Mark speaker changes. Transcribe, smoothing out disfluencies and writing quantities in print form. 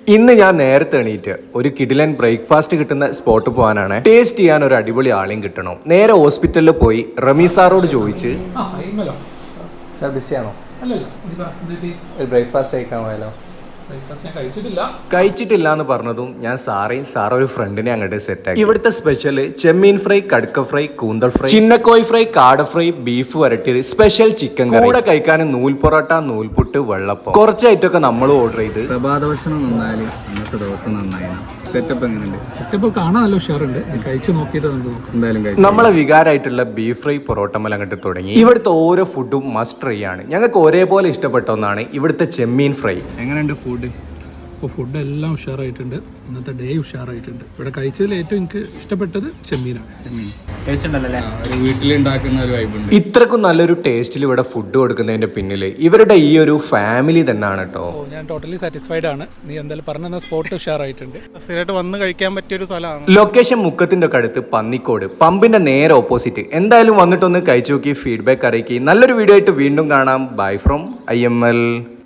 Speaker 1: ഇന്ന് ഞാൻ നേരത്തെ എണീറ്റ് ഒരു കിടിലൻ ബ്രേക്ക്ഫാസ്റ്റ് കിട്ടുന്ന സ്പോട്ട് പോകാനാണ്. ടേസ്റ്റ് ചെയ്യാൻ ഒരു അടിപൊളി ആളെയും കിട്ടണം. നേരെ ഹോസ്പിറ്റലിൽ പോയി റമീ സാറോട് ചോദിച്ച് സാർ ബിസിയാണോ, ഒരു ബ്രേക്ക്ഫാസ്റ്റ് കഴിക്കാൻ പോയാലോ? കഴിച്ചിട്ടില്ല എന്ന് പറഞ്ഞതും ഞാൻ സാറൊരു ഫ്രണ്ടിനെ അങ്ങോട്ട് സെറ്റ് ആക്കി. ഇവിടുത്തെ സ്പെഷ്യൽ ചെമ്മീൻ ഫ്രൈ, കടുക്ക ഫ്രൈ, കൂന്തൽ ഫ്രൈ, ചിന്നക്കോയ് ഫ്രൈ, കാട ഫ്രൈ, ബീഫ് വരട്ടിയത്, സ്പെഷ്യൽ ചിക്കൻ കറി, കൂടെ കഴിക്കാൻ നൂൽ പൊറോട്ട, നൂൽപുട്ട്, വെള്ളപ്പം, കുറച്ച് ഐറ്റമൊക്കെ നമ്മൾ ഓർഡർ ചെയ്ത്.
Speaker 2: പ്രഭാത ഭക്ഷണം നന്നായാലും ഇന്നത്തെ ദിവസം നന്നായി. സെറ്റപ്പ് എങ്ങനെയുണ്ട്? സെറ്റപ്പ് കാണാൻ നല്ല ഉഷാറുണ്ട്. കഴിച്ചു നോക്കിയിട്ട് എന്തായാലും
Speaker 1: നമ്മളെ വികാരമായിട്ടുള്ള ബീഫ് ഫ്രൈ പൊറോട്ടമല അങ്ങോട്ട് തുടങ്ങി. ഇവിടുത്തെ ഓരോ ഫുഡും മസ്റ്റ് ട്രൈ ആണ്. ഞങ്ങൾക്ക് ഒരേപോലെ ഇഷ്ടപ്പെട്ട ഒന്നാണ് ഇവിടുത്തെ ചെമ്മീൻ ഫ്രൈ.
Speaker 2: എങ്ങനെയുണ്ട് ഫുഡ്? അപ്പോൾ ഫുഡ് എല്ലാം ഉഷാറായിട്ടുണ്ട്. ഇന്നത്തെ ഡേ ഉഷാറായിട്ടുണ്ട്. ഇവിടെ കഴിച്ചതിൽ ഏറ്റവും എനിക്ക് ഇഷ്ടപ്പെട്ടത് ചെമ്മീനാണ്. ഒരു വീട്ടിലുണ്ടാക്കുന്ന ഒരു വൈബുണ്ട്.
Speaker 1: ഇത്രക്കും നല്ലൊരു ടേസ്റ്റിൽ ഇവിടെ ഫുഡ് കൊടുക്കുന്നതിന്റെ പിന്നിൽ ഇവരുടെ ഈ ഒരു ഫാമിലി തന്നെയാണ് കേട്ടോ.
Speaker 2: ഞാൻ ടോട്ടലി സാറ്റിസ്ഫൈഡ് ആണ്. നീ എന്തായാലും പറഞ്ഞ സ്പോട്ട് ഉഷാറായിട്ടുണ്ട്.
Speaker 3: സ്ഥിരമായിട്ട് വന്ന് കഴിക്കാൻ പറ്റിയ ഒരു സ്ഥലമാണ്.
Speaker 1: ലൊക്കേഷൻ മുക്കത്തിന്റെ ഒക്കെ അടുത്ത് പന്നിക്കോട്, പമ്പിന്റെ നേരെ ഓപ്പോസിറ്റ്. എന്തായാലും വന്നിട്ടൊന്ന് കഴിച്ചു നോക്കി ഫീഡ്ബാക്ക് അറിയിക്കുക. നല്ലൊരു വീഡിയോ ആയിട്ട് വീണ്ടും കാണാം. Bye from IML.